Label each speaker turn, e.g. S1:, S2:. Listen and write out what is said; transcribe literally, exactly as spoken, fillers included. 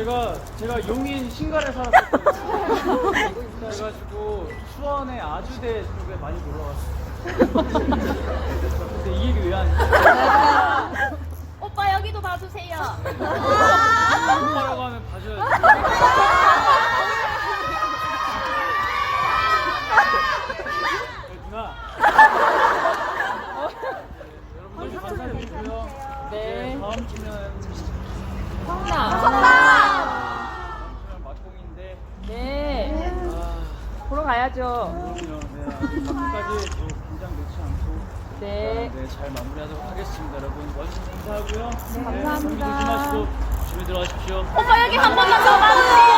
S1: 제가 제가 용인 신갈에 살았었거든요. 그래가지고 수원의 아주대 쪽에 많이 놀러 갔어요. 근데 이 얘기 왜 하니?
S2: 오빠 여기도 봐주세요.
S1: 오빠라고 하면 봐줘야지. 네, 누나. 네, 여러분들 감사드리고요.
S3: 네.
S1: 다음 주면
S3: 성남.
S1: 다음 주면 막공인데.
S3: 네.
S1: 아,
S3: 보러 가야죠.
S1: 그럼요. 네, 아주 막공까지 또 긴장 놓지 않고.
S3: 네.
S1: 네, 잘 마무리하도록 하겠습니다, 여러분. 와주셔서 감사하고요.
S3: 네, 감사합니다.
S1: 감기 조심하시고 조심히 들어가십시오.
S2: 오빠 여기 한 번만 더 봐주세요.